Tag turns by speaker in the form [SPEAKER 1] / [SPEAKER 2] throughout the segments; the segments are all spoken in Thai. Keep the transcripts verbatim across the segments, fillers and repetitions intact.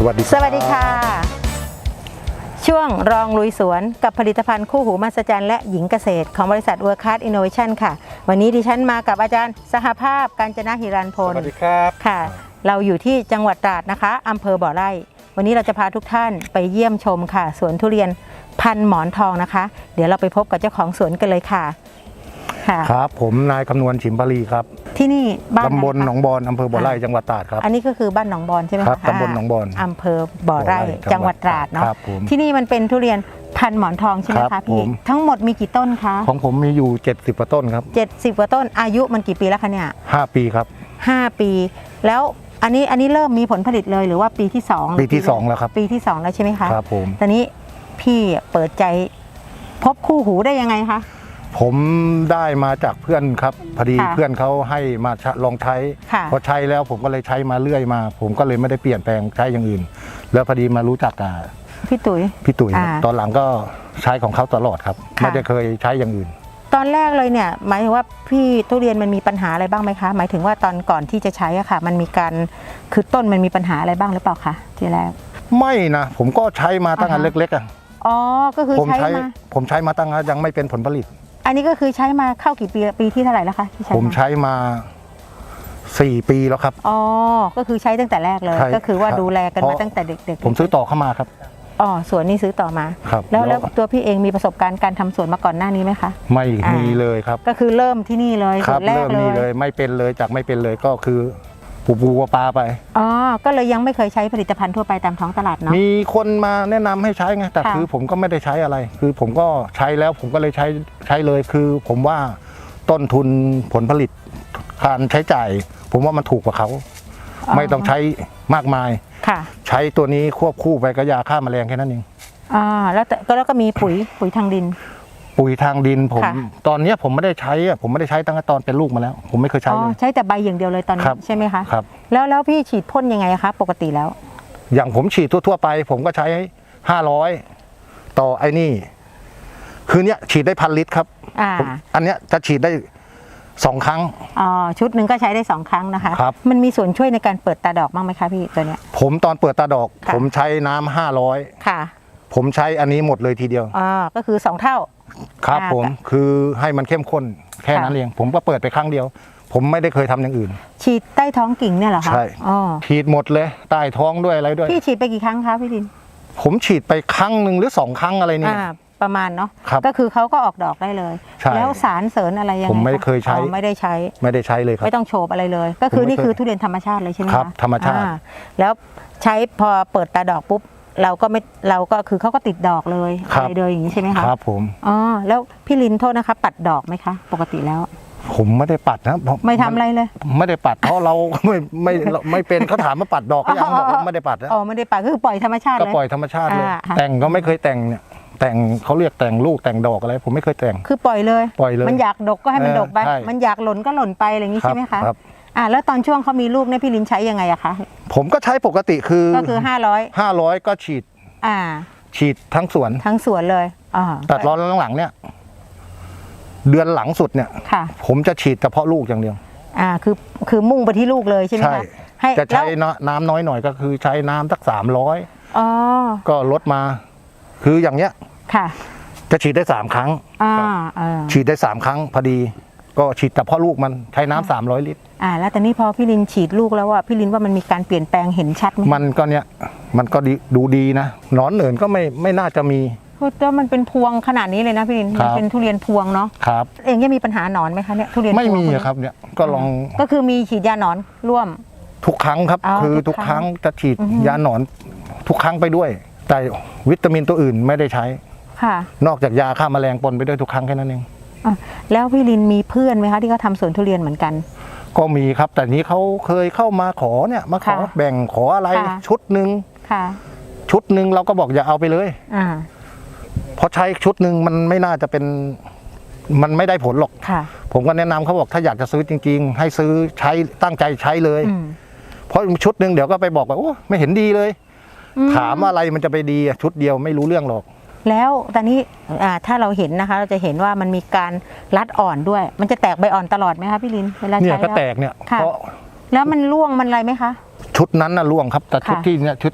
[SPEAKER 1] วัสดี
[SPEAKER 2] สวัสดีค่ะช่วงรองลุยสวนกับผลิตภัณฑ์คู่หูมหัศจรรย์และหญิงเกษตรของบริษัทเวิร์คคลาสอินโนเวชั่นค่ะวันนี้ดิฉันมากับอาจารย์สหภาพกาญจนหิรันพล
[SPEAKER 1] สวัสดีครับ
[SPEAKER 2] ค่ะเราอยู่ที่จังหวัดตราดนะคะอำเภอบ่อไร่วันนี้เราจะพาทุกท่านไปเยี่ยมชมค่ะสวนทุเรียนพันหมอนทองนะคะเดี๋ยวเราไปพบกับเจ้าของสวนกันเลยค่ะ
[SPEAKER 1] ครับผมนายคำนวณฉิมพลีครับ
[SPEAKER 2] ที่นี่บ้าน
[SPEAKER 1] ตำบลหนองบอนอำเภอบ่อไร่จังหวัดตราดครับ
[SPEAKER 2] อันนี้ก็คือบ้านหนองบอนใช่ไหม
[SPEAKER 1] ครับตำบลหนองบอน
[SPEAKER 2] อำเภอบ่อไร่จังหวัดตราดเนาะ
[SPEAKER 1] ครับผม
[SPEAKER 2] ที่นี่มันเป็นทุเรียนพันหมอนทองใช่ไหมคะพี่ทั้งหมดมีกี่ต้นคะ
[SPEAKER 1] ของผมมีอยู่เจ็ดสิบกว่าต้นครับ
[SPEAKER 2] เจ็ดสิบกว่าต้นอายุมันกี่ปีแล้วคะเนี่ย
[SPEAKER 1] ห้าปีครับ
[SPEAKER 2] ห้าปีแล้วอันนี้อันนี้เริ่มมีผลผลิตเลยหรือว่าปีที่สอง
[SPEAKER 1] ปีที่สองแล้วครับ
[SPEAKER 2] ปีที่สองแล้วใช่ไหมคะ
[SPEAKER 1] ครับผม
[SPEAKER 2] ตอนนี้พี่เปิดใจพบคู่หูได้ยังไงคะ
[SPEAKER 1] ผมได้มาจากเพื่อนครับพอดีเพื่อนเขาให้มาลองใช้พอใช้แล้วผมก็เลยใช้มาเรื่อยมาผมก็เลยไม่ได้เปลี่ยนแปลงใช้อย่างอื่นแล้วพอดีมารู้จักกับ
[SPEAKER 2] พี่ตุ๋ย
[SPEAKER 1] พี่ตุ๋ยตอนหลังก็ใช้ของเขาตลอดครับไม่ได้เคยใช้อย่างอื่น
[SPEAKER 2] ตอนแรกเลยเนี่ยหมายถึงว่าพี่ทุเรียนมันมีปัญหาอะไรบ้างไหมคะหมายถึงว่าตอนก่อนที่จะใช้อะค่ะมันมีการคือต้นมันมีปัญหาอะไรบ้างหรือเปล่าคะทีแรก
[SPEAKER 1] ไม่นะผมก็ใช้มาตั้งแต่เล็กๆอ่ะ
[SPEAKER 2] อ๋อก็คือใช้มา
[SPEAKER 1] ผมใช้มาตั้งแต่ยังไม่เป็นผลผลิต
[SPEAKER 2] อันนี้ก็คือใช้มาเข้ากี่ปีปีที่เท่าไหร่แล้วคะที่ใช้
[SPEAKER 1] ผมใช้มาสี่ปีแล้วครับ
[SPEAKER 2] อ๋อก็คือใช้ตั้งแต่แรกเลยก็คือว่าดูแลกันมาตั้งแต่เด็ก
[SPEAKER 1] ๆผมซื้อต่อเข้ามาครับ
[SPEAKER 2] อ๋อสวนนี้ซื้อต่อมาแล้วแล้วตัวพี่เองมีประสบการณ์การทำสวนมาก่อนหน้านี้ไหมคะ
[SPEAKER 1] ไม่มีเลยครับ
[SPEAKER 2] ก็คือเริ่มที่นี่เลย
[SPEAKER 1] ครับเริ่มนี่เลยไม่เป็นเลยจากไม่เป็นเลยก็คือปูปูปลาไป
[SPEAKER 2] อ๋อก็เลยยังไม่เคยใช้ผลิตภัณฑ์ทั่วไปตามท้องตลาดเนาะ
[SPEAKER 1] มีคนมาแนะนำให้ใช้ไงแต่คือผมก็ไม่ได้ใช้อะไรคือผมก็ใช้แล้วผมก็เลยใช้ใช้เลยคือผมว่าต้นทุนผลผลิตการใช้จ่ายผมว่ามันถูกกว่าเขาไม่ต้องใช้มากมายใช้ตัวนี้ควบคู่ไปกับยาฆ่าแมลงแค่นั้นเอง
[SPEAKER 2] อ่าแล้วก็แล้วก็มีปุ๋ยปุ๋ยทางดิน
[SPEAKER 1] ปุ๋ยทางดินผมตอนนี้ผมไม่ได้ใช้ผมไม่ได้ใช้ตั้งแต่ตอนเป็นลูกมาแล้วผมไม่เคยใช้เลย
[SPEAKER 2] ใช้แต่ใบอย่างเดียวเลยตอนนี้ใช่ไหมคะ
[SPEAKER 1] ครับ
[SPEAKER 2] แล้วแล้วพี่ฉีดพ่นยังไงคะปกติแล้ว
[SPEAKER 1] อย่างผมฉีดทั่วๆไปผมก็ใช้ห้าร้อยต่อไอ้นี่คือเนี้ยฉีดได้พันลิตรครับอ่าอันเนี้ยจะฉีดได้สองครั้ง
[SPEAKER 2] อ๋อชุดหนึ่งก็ใช้ได้สองครั้งนะคะ
[SPEAKER 1] ครับ
[SPEAKER 2] มันมีส่วนช่วยในการเปิดตาดอกบ้างไหมคะพี่ตัวเนี้ย
[SPEAKER 1] ผมตอนเปิดตาดอกผมใช้น้ำห้าร้อย
[SPEAKER 2] ค่ะ
[SPEAKER 1] ผมใช้อันนี้หมดเลยทีเดียว
[SPEAKER 2] อ๋อก็คือสองเท่า
[SPEAKER 1] ครับผมคือให้มันเข้มข้นแค่นั้นเองผมก็เปิดไปครั้งเดียวผมไม่ได้เคยทำอย่างอื่น
[SPEAKER 2] ฉีดใต้ท้องกิ่งเนี่ยเหรอคะ
[SPEAKER 1] ใช่ฉีดหมดเลยใต้ท้องด้วยอะไรด้วย
[SPEAKER 2] พี่ฉีดไปกี่ครั้งคะพี่ดิน
[SPEAKER 1] ผมฉีดไปครั้งหนึ่งหรือสองครั้งอะไรนี่
[SPEAKER 2] ประมาณเนาะก็คือเขาก็ออกดอกได้เลยแล้วสารเสริญอะไรยังไง
[SPEAKER 1] ผมไม่เคยใช้
[SPEAKER 2] ไม่ได้ใช้
[SPEAKER 1] ไม่ได้ใช้เลยครับ
[SPEAKER 2] ไม่ต้องโฉบอะไรเลยก็คือนี่คือทุเรียนธรรมชาติเลยใช่ไหม
[SPEAKER 1] ครับธรรมชาติ
[SPEAKER 2] แล้วใช้พอเปิดตาดอกปุ๊บเราก็ไม่เราก็คือเขาก็ติดดอกเลยอะไรเลยอย่างนี้ใช่ไหมคะ
[SPEAKER 1] ครับผม
[SPEAKER 2] อ๋อแล้วพี่ลินโทษนะคะปัดดอกไหมคะปกติแล้ว
[SPEAKER 1] ผมไม่ได้ปัดนะ
[SPEAKER 2] ไม่ทำอะไรเลย
[SPEAKER 1] ไม่ได้ปัดเพราะเราไม่ไม่ไม่เป็นเขาถามมาปัดดอกก็ยังบอกว่าไม่ได้ปัด
[SPEAKER 2] อ๋อไม่ได้ปัดคือปล่อยธรรมชาติเลย
[SPEAKER 1] ก็ปล่อยธรรมชาติเลยแต่งก็ไม่เคยแต่งเนี่ยแต่งเขาเรียกแต่งลูกแต่งดอกอะไรผมไม่เคยแต่ง
[SPEAKER 2] คือปล่อยเลย
[SPEAKER 1] ปล่อยเลย
[SPEAKER 2] มันอยากดกก็ให้มันดกไปมันอยากหล่นก็หล่นไปอะไรอย่างนี้ใช่ไหมคะอ่าแล้วตอนช่วงเขามีลูกเนี่ยพี่ลินใช้ยังไงอะคะ
[SPEAKER 1] ผมก็ใช้ปกติคือ
[SPEAKER 2] ก็คือห้าร้อย
[SPEAKER 1] ห้าร้อยก็ฉีด
[SPEAKER 2] อ่า
[SPEAKER 1] ฉีดทั้งสวน
[SPEAKER 2] ทั้งสวนเลยอ่า
[SPEAKER 1] ตัดร้อนหลังๆเนี่ยเดือนหลังสุดเนี่ยผมจะฉีดเฉพาะลูกอย่างเดียว
[SPEAKER 2] อ่าคือคือมุ่งไปที่ลูกเลยใช่ไหมคะ
[SPEAKER 1] ใช่จะใช้น้ำน้อยหน่อยก็คือใช้น้ำสักสามร้อย
[SPEAKER 2] อ๋อ
[SPEAKER 1] ก็ลดมาคืออย่างเนี้ย
[SPEAKER 2] ค่ะ
[SPEAKER 1] จะฉีดได้สามครั้ง
[SPEAKER 2] อ่า
[SPEAKER 1] ฉีดได้สามครั้งพอดีก็ฉีดเฉพาะลูกมันใช้น้ำสามร้อยลิตร
[SPEAKER 2] อ่าแล้วแต่นี่พอพี่ลินฉีดลูกแล้วว่าพี่ลินว่ามันมีการเปลี่ยนแปลงเห็นชัดไหม
[SPEAKER 1] มันก็เนี้ยมันก็ดูดีนะหนอนเหนินก็ไม่ไม่น่าจะมี
[SPEAKER 2] ก็มันเป็นพวงขนาดนี้เลยนะพี่ลินมันเป็นทุเรียนพวงเนาะ
[SPEAKER 1] ครับ
[SPEAKER 2] เองยังมีปัญหาหนอนไหมคะเนี่ยทุเรียน
[SPEAKER 1] ไม่มีครับเนี่ยก็ลอง
[SPEAKER 2] ก็คือมีฉีดยาหนอนร่วม
[SPEAKER 1] ทุกครั้งครับคือทุกครั้งจะฉีดยาหนอนทุกครั้งไปด้วยแต่วิตามินตัวอื่นไม่ได้ใช้
[SPEAKER 2] ค่ะ
[SPEAKER 1] นอกจากยาฆ่าแมลงปนไปด้วยทุกครั้งแค่นั้นเอง
[SPEAKER 2] แล้วพี่ลินมีเพื่อนไหมคะที่เขาทำสวนทุเรียนเหมือนกัน
[SPEAKER 1] ก็มีครับแต่นี้เขาเคยเข้ามาขอเนี่ยมาขอแบ่งขออะไรชุดหนึ่งชุดหนึ่งเราก็บอกอย่าเอาไปเลย
[SPEAKER 2] อ่า
[SPEAKER 1] เพราะใช้ชุดหนึ่งมันไม่น่าจะเป็นมันไม่ได้ผลหรอกผมก็แนะนำเขาบอกถ้าอยากจะซื้อจริงๆให้ซื้อใช้ตั้งใจใช้เลยเพราะชุดหนึ่งเดี๋ยวก็ไปบอกว่าโอ้ไม่เห็นดีเลยถามอะไรมันจะไปดีชุดเดียวไม่รู้เรื่องหรอก
[SPEAKER 2] แล้วตอนนี้ถ้าเราเห็นนะคะเราจะเห็นว่ามันมีการรัดอ่อนด้วยมันจะแตกใบอ่อนตลอดไหมคะพี่ลินเวลาใช้
[SPEAKER 1] เนี่ยก็แตกเนี่ยเพราะ
[SPEAKER 2] แล้วมันร่วงมันอะไรไหมคะ
[SPEAKER 1] ชุดนั้นน่ะร่วงครับแต่ชุดที่เนี่ยชุดที่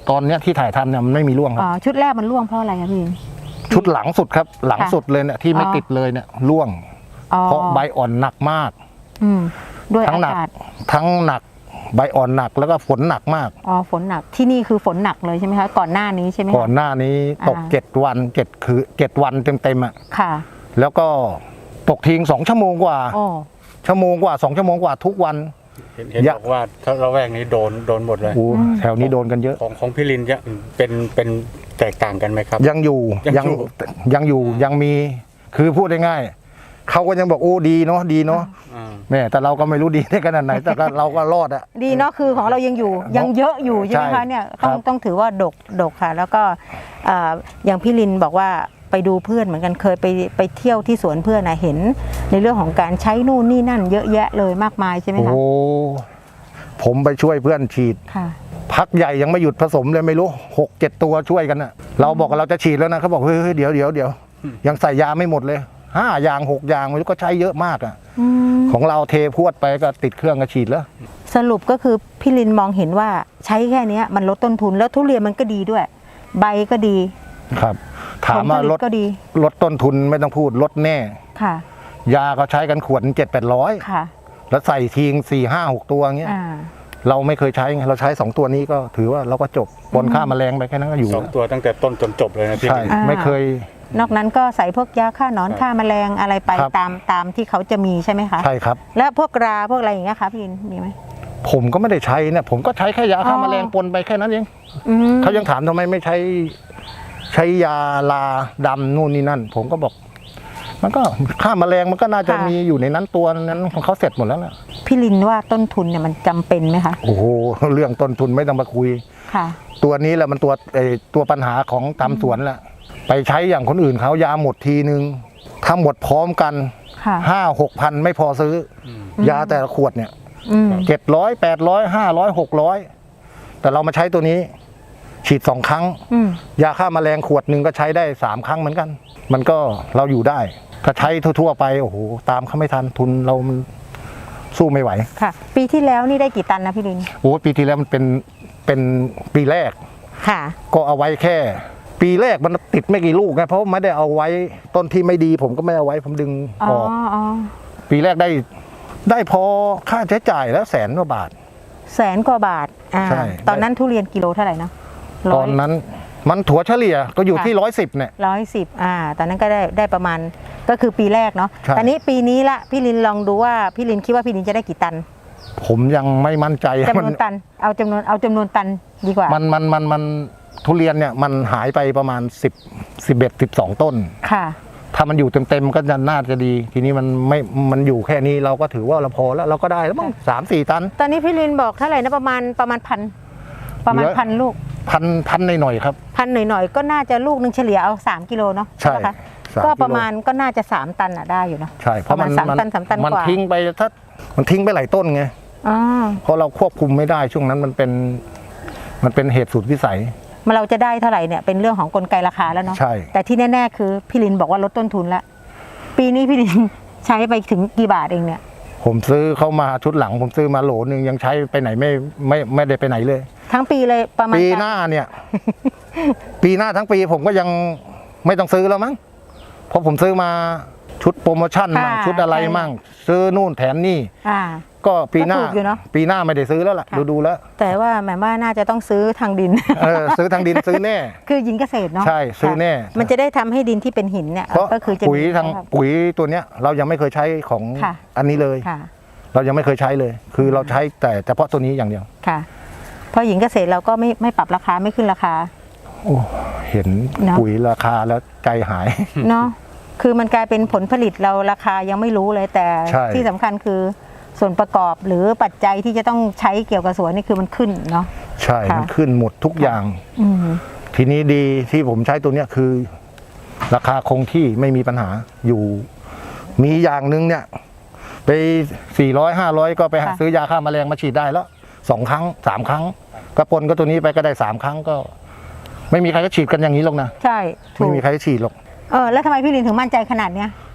[SPEAKER 1] ตอนเนี้ยที่ถ่ายทำเนี่ยมันไม่มีร่วงค
[SPEAKER 2] อ๋
[SPEAKER 1] รั
[SPEAKER 2] อบ ชุดแรกมันร่วงเพราะอะไรครับพี่
[SPEAKER 1] ชุดหลังสุดครับ หลัง
[SPEAKER 2] ค่ะ
[SPEAKER 1] สุดเลยเนี่ยที่ไม่
[SPEAKER 2] อ๋อ
[SPEAKER 1] ติดเลยเนี่ยร่วง
[SPEAKER 2] อ๋อ
[SPEAKER 1] เพราะใบอ่อนหนักมาก
[SPEAKER 2] อืมด้วย
[SPEAKER 1] ทั้ง
[SPEAKER 2] อา
[SPEAKER 1] หนัก
[SPEAKER 2] กาศ
[SPEAKER 1] ทั้งหนักใบอ่อนหนักแล้วก็ฝนหนักมาก
[SPEAKER 2] อ๋อฝนหนักที่นี่คือฝนหนักเลยใช่ไหมคะก่อนหน้านี้ใช่ไหมคะ
[SPEAKER 1] ก่อนหน้านี้ตก
[SPEAKER 2] อ่า
[SPEAKER 1] เจ็ดวันเจ็ดคือเจ็ดวันเต็มๆอ่ะ
[SPEAKER 2] ค่ะ
[SPEAKER 1] แล้วก็ตกทิ้งสองชั่วโมงกว่า
[SPEAKER 2] โอ้
[SPEAKER 1] ชั่วโมงกว่าสองชั่วโมงกว่าทุกวัน
[SPEAKER 3] เห็นเห็น
[SPEAKER 1] อย่า
[SPEAKER 3] บอกว่าถ้าระแวกนี้โดนโดนหมดเลย
[SPEAKER 1] โอ้แถวนี้โดนกันเยอะ
[SPEAKER 3] ของของพี่ลินจะเป็นเป็นแตกต่างกันไหมครับ
[SPEAKER 1] ยังอยู่
[SPEAKER 3] ยังอยู่
[SPEAKER 1] ยังอยู่ยังมีคือพูดง่ายๆเขาก็ยังบอกโอ้ดีเนาะดีเนาะ
[SPEAKER 3] อ่า
[SPEAKER 1] แม่แต่เราก็ไม่รู้ดีได้ขนาดไหน แต่ก็เราก็รอดอะ
[SPEAKER 2] ดีเนาะคือของเรายังอยู่ยังเยอะอยู่ใช่ไหม
[SPEAKER 1] ใช่
[SPEAKER 2] คะเนี่ยต้อง
[SPEAKER 1] ครับ
[SPEAKER 2] ต้องถือว่าดกดกค่ะ แล้วก็เอ่ออย่างพี่ลินบอกว่าไปดูเพื่อนเหมือนกันเคยไปไปเที่ยวที่สวนเพื่อนนะเห็น ในเรื่องของการใช้นู่นนี่นั่น เยอะแยะเลยมากมายใช่ไหม
[SPEAKER 1] โอ้
[SPEAKER 2] คะ
[SPEAKER 1] ผมไปช่วยเพื่อนฉีด
[SPEAKER 2] ค่ะ
[SPEAKER 1] พักใหญ่ยังไม่หยุดผสมเลยไม่รู้หกเจ็ดตัวช่วยกันอะเราบอกว่าเราจะฉีดแล้วนะเขาบอกเฮ้ยเฮ้ยเดี๋ยวเดี๋ยวเดี๋ยวยังใส่ยาไม่หมดเลยห้าอย่างหกอย่างไม่รู้ก็ใช้เยอะมากอะ
[SPEAKER 2] อืม
[SPEAKER 1] ของเราเทพรวดไปก็ติดเครื่องก็ฉีดแล้ว
[SPEAKER 2] สรุปก็คือพี่ลินมองเห็นว่าใช้แค่เนี้ยมันลดต้นทุนแล้วทุเรียนมันก็ดีด้วย ใบก็ดี
[SPEAKER 1] ครับ ถามว่า
[SPEAKER 2] ผผ
[SPEAKER 1] ล
[SPEAKER 2] ลิ
[SPEAKER 1] ด
[SPEAKER 2] ตก็ดี
[SPEAKER 1] ลดต้นทุนไม่ต้องพูดลดแน่
[SPEAKER 2] ค่ะ
[SPEAKER 1] ยาเขาใช้กันขวดเจ็ดแปดร้อย
[SPEAKER 2] ค่ะ
[SPEAKER 1] แล้วใส่ทิ้งสี่ห้าหกตัวเงี้ย
[SPEAKER 2] อ่า
[SPEAKER 1] เราไม่เคยใช้ไงเราใช้สองตัวนี้ก็ถือว่าเราก็จบปนค่าแมลงไปแค่นั้นก็อยู่
[SPEAKER 3] สองตัวตั้งแต่ต้นจนจบเลยนะพี่
[SPEAKER 1] ใช่
[SPEAKER 3] ลิน
[SPEAKER 2] อ่า
[SPEAKER 1] ไม่เคย
[SPEAKER 2] นอกนั้นก็ใส่พวกยาฆ่าหนอน
[SPEAKER 3] ครับ
[SPEAKER 2] ฆ่าแมลงอะไรไป
[SPEAKER 1] ครับ
[SPEAKER 2] ตามตามที่เขาจะมีใช่ไหมคะ
[SPEAKER 1] ใช่ครับ
[SPEAKER 2] แล้วพวกราพวกอะไรอย่างเงี้ยคะพี่ลินมีไหม
[SPEAKER 1] ผมก็ไม่ได้ใช้เนี่ยผมก็ใช้แค่ยาฆ่า
[SPEAKER 2] อ๋อ
[SPEAKER 1] แมลงปนไปแค่นั้นเอง
[SPEAKER 2] อืม
[SPEAKER 1] เขายังถามทำไมไม่ใช้ใช้ยาลาดำนู่นนี่นั่น ผมก็บอก มันก็ฆ่าแมลงมันก็น่าจะมีอยู่ในนั้นตัวนั้นของเขาเสร็จหมดแล้วล่ะ
[SPEAKER 2] พี่ลินว่าต้นทุนเนี่ยมันจำเป็นไหมคะ
[SPEAKER 1] โอ้โหเรื่องต้นทุนไม่ต้องมาคุย
[SPEAKER 2] ค่ะ
[SPEAKER 1] ตัวนี้แหละมันตัวไอ้ตัวปัญหาของตามสวนแหละไปใช้อย่างคนอื่นเขายาหมดทีนึงถ้าหมดพร้อมกัน
[SPEAKER 2] ค่ะ
[SPEAKER 1] ห้าหกพันไม่พอซื้ออ
[SPEAKER 3] ม
[SPEAKER 1] ยาแต่ละขวดเนี่ย
[SPEAKER 2] อืม
[SPEAKER 1] เจ็ดร้อยแปดร้อยห้าร้อยหกร้อยแต่เรามาใช้ตัวนี้ ฉีดสองครั้ง
[SPEAKER 2] อืม
[SPEAKER 1] ยาฆ่าแมลงขวดหนึ่งก็ใช้ได้สามครั้งเหมือนกัน มันก็เราอยู่ได้ ถ้าใช้ทั่วๆไปโอ้โหตามเขาไม่ทันทุนเรามันสู้ไม่ไหว
[SPEAKER 2] ค่ะ ปีที่แล้วนี่ได้กี่ตันนะพี่ลิน
[SPEAKER 1] โอ้ปีที่แล้วมันเป็นเป็นปีแรก
[SPEAKER 2] ค่ะ
[SPEAKER 1] ก็เอาไว้แค่ ปีแรกมันติดไม่กี่ลูกไงเพราะไม่ได้เอาไว้ต้นที่ไม่ดี ผมก็ไม่เอาไว้ผมดึง
[SPEAKER 2] อ๋
[SPEAKER 1] อ
[SPEAKER 2] อ
[SPEAKER 1] อก
[SPEAKER 2] อ๋อ
[SPEAKER 1] ปีแรกได้ได้พอค่าใช้จ่ายแล้วแสนกว่าบาท
[SPEAKER 2] แสนกว่าบาทอ่า
[SPEAKER 1] ใช่
[SPEAKER 2] ตอนนั้นทุเรียนกิโลเท่าไหร่นะ
[SPEAKER 1] ตอนนั้นมันถั่วเฉลี่ยก็อยู่ที่ร้อยสิบเนี่ย
[SPEAKER 2] ร้อยสิบอ่า ตอนนั้นก็ได้ได้ประมาณก็คือปีแรกเนาะ
[SPEAKER 1] ใช่
[SPEAKER 2] ตอนนี้ปีนี้ละพี่ลินลองดูว่าพี่ลินคิดว่าพี่ลินจะได้กี่ตัน
[SPEAKER 1] ผมยังไม่มั่นใจ
[SPEAKER 2] จำนวนตัน เอาจำนวนเอาจำนวนตันดีกว่า
[SPEAKER 1] มันมันมันมันทุเรียนเนี่ยมันหายไปประมาณสิบ สิบเอ็ด สิบสองต้น
[SPEAKER 2] ค่ะ
[SPEAKER 1] ถ้ามันอยู่เต็มๆก็จะน่าจะดี ทีนี้มันไม่มันอยู่แค่นี้เราก็ถือว่าเราพอแล้วเราก็ได้แล้วมั้งสามสี่ตัน
[SPEAKER 2] ตอนนี้พี่ลินบอกเท่าไหร่นะประมาณประมาณพันประมาณ
[SPEAKER 1] เหลือ
[SPEAKER 2] พันลูก
[SPEAKER 1] พันพันหน่อยๆครับ
[SPEAKER 2] พันหน่อยๆก็น่าจะลูกหนึ่งเฉลี่ยเอาสามกิโลเนาะ
[SPEAKER 1] ใช่
[SPEAKER 2] ไหมคะ
[SPEAKER 1] สาม
[SPEAKER 2] ก็
[SPEAKER 1] กิโล
[SPEAKER 2] ประมาณก็น่าจะสามตันอ่ะได้อยู่เนาะ
[SPEAKER 1] ใช่เพราะมัน
[SPEAKER 2] ประมาณสาม
[SPEAKER 1] มัน
[SPEAKER 2] ตันสามตัน
[SPEAKER 1] มัน
[SPEAKER 2] กว่า
[SPEAKER 1] ทิ้งไปถ้ามันทิ้งไปหลายต้นไง
[SPEAKER 2] อ๋อ
[SPEAKER 1] เพราะเราควบคุมไม่ได้ช่วงนั้นมันเป็นมันเป็นเหตุสุดวิสัย
[SPEAKER 2] มาเราจะได้เท่าไหร่เนี่ยเป็นเรื่องของกลไกราคาแล้วเนาะ
[SPEAKER 1] ใช่
[SPEAKER 2] แต่ที่แน่ๆคือพี่ลินบอกว่าลดต้นทุนแล้วปีนี้พี่ลิน ใช้ไปถึงกี่บาทเองเนี่ย
[SPEAKER 1] ผมซื้อเข้ามาชุดหลัง ผมซื้อมาโหลนึงยังใช้ไปไหนไม่ไม่ไม่ได้ไปไหนเลย
[SPEAKER 2] ทั้งปีเลยประมาณ
[SPEAKER 1] ปีหน้าเนี่ย ปีหน้าทั้งปีผมก็ยังไม่ต้องซื้อแล้วมั้งเพราะผมซื้อมาชุดโปรโมชั่นมั่งชุดอะไรมั่งซื้อนู่นแถมนี่
[SPEAKER 2] อ่า
[SPEAKER 1] ก็ปีหน้า
[SPEAKER 2] ก็ถูกอยู่เนอะ
[SPEAKER 1] ปีหน้าไม่ได้ซื้อแล้วล่ะ
[SPEAKER 2] ค่ะ
[SPEAKER 1] ดูดูๆแล้ว
[SPEAKER 2] แต่ว่าหมายว่าน่าจะต้องซื้อทางดิน
[SPEAKER 1] เออซื้อทางดินซื้อแน่
[SPEAKER 2] คือหญิงเกษตรเนาะ
[SPEAKER 1] ใช่ซื้อแน่
[SPEAKER 2] ค่ะมันจะได้ทำให้ดินที่เป็นหินเนี่ย
[SPEAKER 1] เพราะ
[SPEAKER 2] ก็คือจะ
[SPEAKER 1] ปุ๋ย
[SPEAKER 2] มี
[SPEAKER 1] ทางปุ๋ยตัวเนี้ย เรายังไม่เคยใช้ของ
[SPEAKER 2] ค่ะ
[SPEAKER 1] อันนี้เลย
[SPEAKER 2] ค่ะ
[SPEAKER 1] เรายังไม่เคยใช้เลย คือเราใช้แต่เฉพาะตัวนี้อย่างเดียว
[SPEAKER 2] ค่ะเพราะหญิงเกษตรเราก็ไม่ไม่ปรับราคาไม่ขึ้นราคา
[SPEAKER 1] โอ้เห็น
[SPEAKER 2] เนอะ
[SPEAKER 1] ปุ๋ยราคาแล้วใจหาย
[SPEAKER 2] เนาะคือมันกลายเป็นผลผลิตเราราคายังไม่รู้เลยแต่
[SPEAKER 1] ใช่
[SPEAKER 2] ที่สำคัญคือส่วนประกอบหรือปัจจัยที่จะต้องใช้เกี่ยวกับสวนนี่คือมันขึ้นเนาะ
[SPEAKER 1] ใช่
[SPEAKER 2] ค่ะ
[SPEAKER 1] มันขึ้นหมดทุกอย่าง
[SPEAKER 2] อืม
[SPEAKER 1] ทีนี้ดีที่ผมใช้ตัวเนี้ยคือ ราคาคงที่ไม่มีปัญหาอยู่ มีอย่างหนึงเนี่ย ไปสี่ร้อยห้าร้อยก็ไปหาซื้อยาฆ่าแมลงมาฉีดได้แล้วสองครั้งสามครั้งกระปนก็ตัวนี้ไปก็ได้สามครั้งก็ ไม่มีใครก็ฉีดกันอย่างนี้หรอกนะ
[SPEAKER 2] ใช่ถู
[SPEAKER 1] ไม่
[SPEAKER 2] ก
[SPEAKER 1] มีใครฉีดหรอก
[SPEAKER 2] เออแล้วทำไมพี่ลินถึงมั่นใจขนาดเนี้ย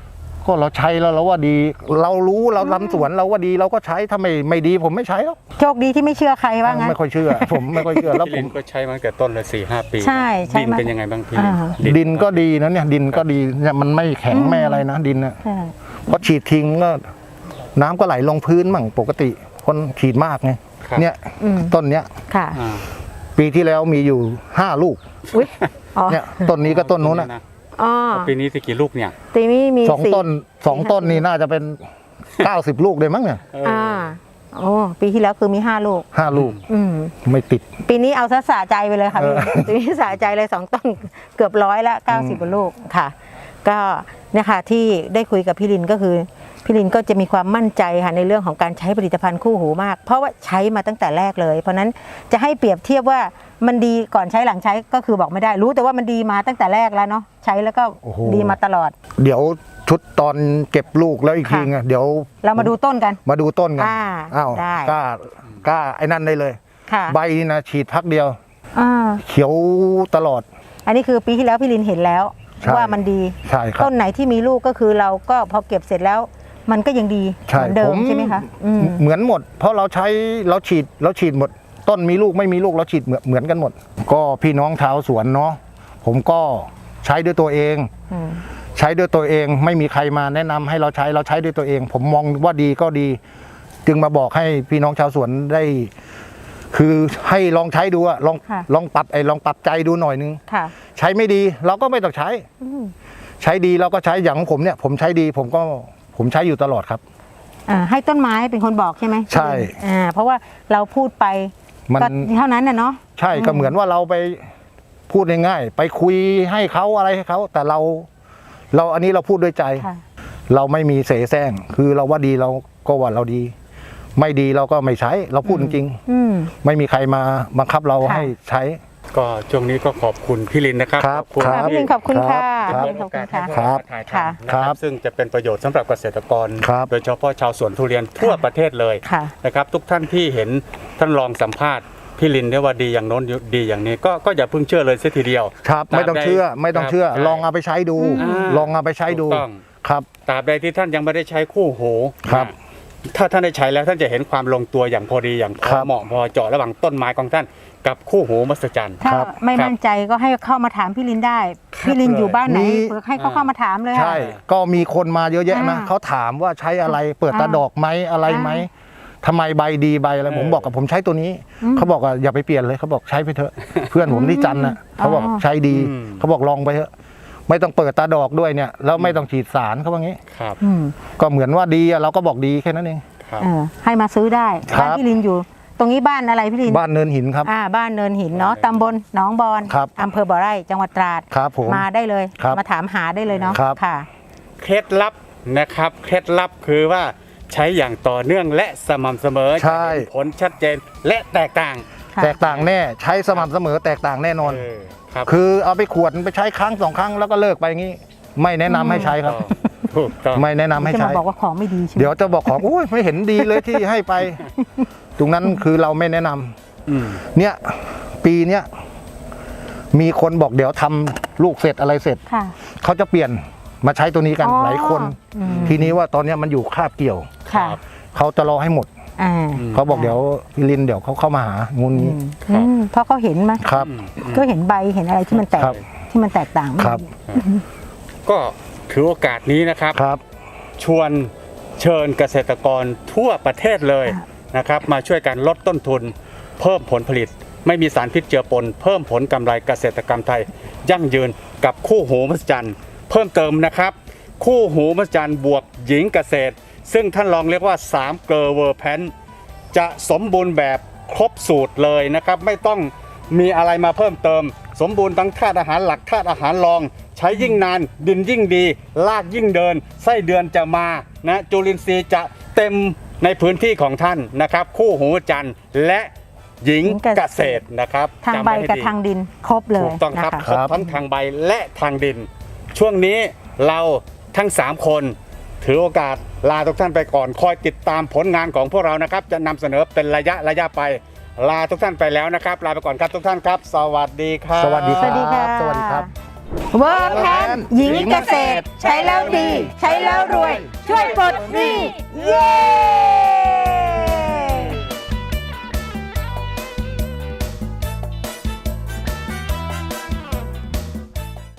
[SPEAKER 1] ก็เราใช้แล้วเราว่าดี เรารู้เราทำสวนเราว่าดีเราก็ใช้ถ้าไม่ไม่ดีผมไม่ใช้หรอก
[SPEAKER 2] โชคดีที่ไม่เชื่อใครว่างั้น
[SPEAKER 1] ไม่ค่อยเชื่อ ผมไม่ค่อยเชื่อแล้ว
[SPEAKER 3] พี่
[SPEAKER 1] ผ
[SPEAKER 3] ลิ
[SPEAKER 1] ม
[SPEAKER 3] นก็ใช้มาตั้งแต่ต้นเลยสี่ห้าปี
[SPEAKER 2] ใช่ใช้
[SPEAKER 3] ดิน
[SPEAKER 2] มา
[SPEAKER 3] เป็นยังไงบ้างพี่ลิน
[SPEAKER 2] อ่า
[SPEAKER 1] ดินก็ดีนะเนี่ยดินก็ดีเนี่ยมันไม่แข็งไม่อะไรนะดินนะ
[SPEAKER 2] ใช่
[SPEAKER 1] เพราะฉีดทิ้งก็น้ำก็ไหลลงพื้นมั่งปกติคนฉีดมากไง
[SPEAKER 3] ครับ
[SPEAKER 1] เนี่ย
[SPEAKER 2] อืม
[SPEAKER 1] ต้นเนี้ย
[SPEAKER 2] ค่ะ
[SPEAKER 3] อ่า
[SPEAKER 1] ปีที่แล้วมีอยู่ห้าลูก
[SPEAKER 2] อุ้ยอ๋อ
[SPEAKER 1] เนี่ยต้นนี้ก็ต้นนู้นนะ
[SPEAKER 2] อ๋อ
[SPEAKER 3] ปีนี้สิกี่ลูกเนี่ย
[SPEAKER 2] ตีนี้มี
[SPEAKER 1] สอง
[SPEAKER 2] สี่
[SPEAKER 1] ต้นสองต้นนี่น่าจะเป็น เก้าสิบลูกเลยมั้งเนี่ย
[SPEAKER 3] เอออ
[SPEAKER 2] อ่าโอ้ปีที่แล้วคือมีห้าลูก
[SPEAKER 1] ห้าลูก
[SPEAKER 2] อืม
[SPEAKER 1] ไม่ติด
[SPEAKER 2] ปีนี้เอาซะสะใจไปเลยค่ะ
[SPEAKER 1] เออ
[SPEAKER 2] ปีนี้สะใจเลยสองต้นเกือบร้อยละเก้าสิบกว่าลูกค่ะ ก็เนี่ยค่ะที่ได้คุยกับพี่ลินก็คือพี่ลินก็จะมีความมั่นใจค่ะในเรื่องของการใช้ผลิตภัณฑ์คู่หูมาก เพราะว่าใช้มาตั้งแต่แรกเลย เพราะฉะนั้นจะให้เปรียบเทียบว่ามันดีก่อนใช้หลังใช้ก็คือบอกไม่ได้รู้แต่ว่ามันดีมาตั้งแต่แรกแล้วเนาะใช้แล้วก็
[SPEAKER 1] โอ้โห
[SPEAKER 2] ดีมาตลอด
[SPEAKER 1] เดี๋ยวชุดตอนเก็บลูกแล้วอีกทีไงเดี๋ยว
[SPEAKER 2] เรามาดูต้นกัน
[SPEAKER 1] มาดูต้นกัน
[SPEAKER 2] อ่า
[SPEAKER 1] อ้าว
[SPEAKER 2] ได้
[SPEAKER 1] กล้ากล้าไอ้นั่นได้เลย
[SPEAKER 2] ค่ะ
[SPEAKER 1] ใบนี่นะฉีดพักเดียว
[SPEAKER 2] อ่า
[SPEAKER 1] เขียวตลอด
[SPEAKER 2] อันนี้คือปีที่แล้วพี่ลินเห็นแล้ว
[SPEAKER 1] ใช่
[SPEAKER 2] ว่ามันดี
[SPEAKER 1] ใช่ครับ
[SPEAKER 2] ต้นไหนที่มีลูกก็คือเราก็พอเก็บเสร็จแล้ว มันก็ยังดี
[SPEAKER 1] ใช่
[SPEAKER 2] เหมือนเดิ
[SPEAKER 1] ผม ม
[SPEAKER 2] ใช่ไหมคะอืม
[SPEAKER 1] เหมือนหมด เพราะเราใช้เราฉีดเราฉีดหมด ต้นมีลูกไม่มีลูกเราฉีดเหมือนเหมือนกันหมด ก็พี่น้องชาวสวนเนาะผมก็ใช้ด้วยตัวเอง
[SPEAKER 2] อืม
[SPEAKER 1] ใช้ด้วยตัวเองไม่มีใครมาแนะนำให้เราใช้เราใช้ด้วยตัวเอง ผมมองว่าดีก็ดี จึงมาบอกให้พี่น้องชาวสวนได้ คือให้ลองใช้ดูอะลอง
[SPEAKER 2] ค่ะ
[SPEAKER 1] ลองปรับไอ้ลองปรับใจดูหน่อยนึง
[SPEAKER 2] ค่ะ
[SPEAKER 1] ใช้ไม่ดีเราก็ไม่ต้องใช้
[SPEAKER 2] อืม
[SPEAKER 1] ใช้ดีเราก็ใช้อย่างของผมเนี่ย ผมใช้ดี ผมก็ผมใช้อยู่ตลอดครับ
[SPEAKER 2] อ่าให้ต้นไม้เป็นคนบอกใช่ไหม
[SPEAKER 1] ใช่
[SPEAKER 2] อ่าเพราะว่าเราพูดไป
[SPEAKER 1] มัน
[SPEAKER 2] ก็เท่านั้นน่ะเนาะ
[SPEAKER 1] ใช่ก็เหมือนว่าเราไปพูดง่ายๆไปคุยให้เขาอะไรให้เขาแต่เรา เราอันนี้เราพูดด้วยใจ
[SPEAKER 2] ค่ะ
[SPEAKER 1] เราไม่มีเสแสร้งคือเราว่าดีเราก็ว่าเราดี ไม่ดีเราก็ไม่ใช้ เราพูดจริง
[SPEAKER 2] อืม
[SPEAKER 1] ๆไม่มีใครมาบังคับเรา
[SPEAKER 2] ค่ะ
[SPEAKER 1] ให้ใช้
[SPEAKER 3] ก็ช่วงนี้ก็ขอบคุณพี่ลินนะครับ
[SPEAKER 1] ครับ
[SPEAKER 3] ขอบคุณ
[SPEAKER 1] ครั
[SPEAKER 2] ค่ะ
[SPEAKER 1] บ
[SPEAKER 2] พี่ลินขอบคุณค่ะ
[SPEAKER 1] ครับ
[SPEAKER 2] พี่ลินขอบคุณค่ะ
[SPEAKER 1] ครับ
[SPEAKER 3] ถ่ายทำ
[SPEAKER 2] ค่ะ
[SPEAKER 3] นะ
[SPEAKER 1] ค
[SPEAKER 3] ค
[SPEAKER 1] รั
[SPEAKER 3] รับ บซึ่งจะเป็นประโยชน์สำหรับเกษตรกร
[SPEAKER 1] ครับ
[SPEAKER 3] โดยเฉพาะชาวสวนทุเรียนทั่วประเทศเลย
[SPEAKER 2] ค่ะ
[SPEAKER 3] นะครับ ทุกท่านที่เห็นท่านลองสัมภาษณ์พี่ลินได้ว่าดีอย่างโน้นดีอย่างนี้ก็ก็อย่าเพิ่งเชื่อเลยเสียทีเดียว
[SPEAKER 1] ครับไม่ต้องเชื่อไม่ต้องเชื่อ
[SPEAKER 3] ครับ
[SPEAKER 1] ลองเอาไปใช้ดู
[SPEAKER 3] อ่า
[SPEAKER 1] ลองเอาไปใช้ดู
[SPEAKER 3] ถูกต้อง
[SPEAKER 1] ครับ
[SPEAKER 3] ตราบใดที่ท่านยังไม่ได้ใช้คู่หู
[SPEAKER 1] ครับ
[SPEAKER 3] นะถ้าท่านได้ใช้แล้วท่านจะเห็นความลงตัวอย่างพอดีอย่างพ
[SPEAKER 1] ครั
[SPEAKER 3] อบ เหมาะพอเจาะระหว่างต้นไม้ของท่านกับคู่หูมหัศจรรย์
[SPEAKER 2] ถ้า
[SPEAKER 1] ครับ
[SPEAKER 2] ไม่มั่นใจก็ให้เข้ามาถามพี่ลินได้
[SPEAKER 3] ครับ
[SPEAKER 2] พี่ลินอยู่บ้านไหน
[SPEAKER 1] มี
[SPEAKER 2] เผื่อให้เขาเข้ามาถามเลยค่ะ
[SPEAKER 1] ใช่ก็มีคนมาเยอะแยะนะ
[SPEAKER 2] อ่า
[SPEAKER 1] เขาถามว่าใช้อะไรเปิดตา
[SPEAKER 2] อ่า
[SPEAKER 1] ดอกไหมอะไรไหมทำไมใบดีใบอะไร
[SPEAKER 3] เออ
[SPEAKER 1] ผมบอกกับผมใช้ตัวนี้
[SPEAKER 2] อืม
[SPEAKER 1] เขาบอกว่าอย่าไปเปลี่ยนเลยเขาบอกใช้ไปเถอะ เพื่อนผมที่จันทร์น่ะเขาบอก
[SPEAKER 2] อ๋อ
[SPEAKER 1] ใช้ดี
[SPEAKER 3] อืม
[SPEAKER 1] เขาบอกลองไปเถอะไม่ต้องเปิดตาดอกด้วยเนี่ยแล้วไม่ต้องฉีดสารเขาว่างี้
[SPEAKER 3] ครับ
[SPEAKER 2] อืม
[SPEAKER 1] ก็เหมือนว่าดีอะเราก็บอกดีแค่นั้นเอง
[SPEAKER 3] ครับ
[SPEAKER 2] เออให้มาซื้อได้
[SPEAKER 1] ครับ
[SPEAKER 2] บ้านพี่ลินอยู่ ตรงนี้บ้านอะไรพี่ลิน
[SPEAKER 1] บ้านเนินหินครับ
[SPEAKER 2] อ่าบ้านเนินหินเนาะตำบลหนองบอน
[SPEAKER 1] ครับ
[SPEAKER 2] อำเภอบ่อไร่จังหวัดตราด
[SPEAKER 1] ครับผม
[SPEAKER 2] มาได้เลย
[SPEAKER 1] ครับ
[SPEAKER 2] มาถามหาได้เลยเนาะ
[SPEAKER 1] ครับ
[SPEAKER 2] ค่ะ
[SPEAKER 3] เคล็ดลับนะครับเคล็ดลับคือว่าใช้อย่างต่อเนื่องและสม่ำเสมอ
[SPEAKER 1] ใช่
[SPEAKER 3] จะเห็นผลชัดเจนและแตกต่าง
[SPEAKER 2] ค่ะ
[SPEAKER 1] แตกต่างแน่ใช้สม่ำเสมอแตกต่างแน่นอน
[SPEAKER 3] เออครับ
[SPEAKER 1] คือเอาไปขวดไปใช้ครั้งสองครั้งแล้วก็เลิกไปอย่างนี้ ไม่แนะนำให้ใช้ครับ
[SPEAKER 3] ถูกต้อง
[SPEAKER 1] ไม่แนะนำให้
[SPEAKER 2] จะ
[SPEAKER 1] ใช้
[SPEAKER 2] มาบอกว่าของไม่ดีใช่ไหม
[SPEAKER 1] เดี๋ยวจะบอกของอุ้ยไม่เห็นดีเลยที่ให้ไป ตรงนั้นคือเราไม่แนะนำ
[SPEAKER 3] อืม
[SPEAKER 1] เนี่ย ปีเนี้ยมีคนบอกเดี๋ยวทำลูกเสร็จอะไรเสร็จ
[SPEAKER 2] ค่ะ
[SPEAKER 1] เขาจะเปลี่ยนมาใช้ตัวนี้กัน
[SPEAKER 2] อ๋อ
[SPEAKER 1] หลายคน
[SPEAKER 2] อืม
[SPEAKER 1] ทีนี้ว่าตอนเนี้ยมันอยู่คาบเกี่ยว
[SPEAKER 2] ค่ะ
[SPEAKER 1] เขาจะรอให้หมด
[SPEAKER 2] อ่า
[SPEAKER 1] เขาบอกเดี๋ยวพี่ลินเดี๋ยวเขาเข้ามาหางูนี้
[SPEAKER 3] ครับ
[SPEAKER 2] อืมเพราะเขาเห็นไหม
[SPEAKER 1] ครับ
[SPEAKER 3] อืมอืม
[SPEAKER 2] ก็เห็นใบเห็นอะไรที่มันแตก
[SPEAKER 1] ครับ
[SPEAKER 2] ที่มันแตกต่าง
[SPEAKER 1] ครับ
[SPEAKER 3] ก็ถือโอกาสนี้นะครับ
[SPEAKER 1] ครับ
[SPEAKER 3] ชวนเชิญเกษตรกรทั่วประเทศเลยนะครับ มาช่วยกันลดต้นทุน เพิ่มผลผลิต ไม่มีสารพิษเจือปน เพิ่มผลกำไรเกษตรกรรมไทย ยั่งยืนกับคู่หูมหัศจรรย์เพิ่มเติมนะครับ คู่หูมหัศจรรย์บวกหญิงเกษตร ซึ่งท่านลองเรียกว่าสามเกลอเวอร์แพนจะสมบูรณ์แบบครบสูตรเลยนะครับ ไม่ต้องมีอะไรมาเพิ่มเติม สมบูรณ์ทั้งธาตุอาหารหลักธาตุอาหารรอง ใช้ยิ่งนานดินยิ่งดีรากยิ่งเดิน ไส้เดือนจะมานะจุลินทรีย์จะเต็มในพื้นที่ของท่านนะครับ คู่หูจันทร์และหญิงเกษตรนะครับ
[SPEAKER 2] ทาง
[SPEAKER 3] จำ
[SPEAKER 2] ใบ
[SPEAKER 3] ไว้ให้
[SPEAKER 2] กับ
[SPEAKER 3] ดี
[SPEAKER 2] ทางดินครบเลย
[SPEAKER 3] ถูกต้องครับ
[SPEAKER 2] นะะ
[SPEAKER 3] ครบทั้งทางใบและทางดิน ช่วงนี้เราทั้งสามคนถือโอกาสลาทุกท่านไปก่อนคอยติดตามผลงานของพวกเรานะครับ จะนำเสนอเป็นระยะระยะไป ลาทุกท่านไปแล้วนะครับ ลาไปก่อนครับทุกท่านครับ สวัสดีครับ
[SPEAKER 1] สวัสดีค
[SPEAKER 2] ส
[SPEAKER 1] รั
[SPEAKER 2] วัสดีค่ะ
[SPEAKER 1] บสวัสดีครับ
[SPEAKER 2] เวิร์กแพนหญิงเกษตร ใช้แล้วดี ใช้แล้วรวย ช่วยปลดหนี้เย้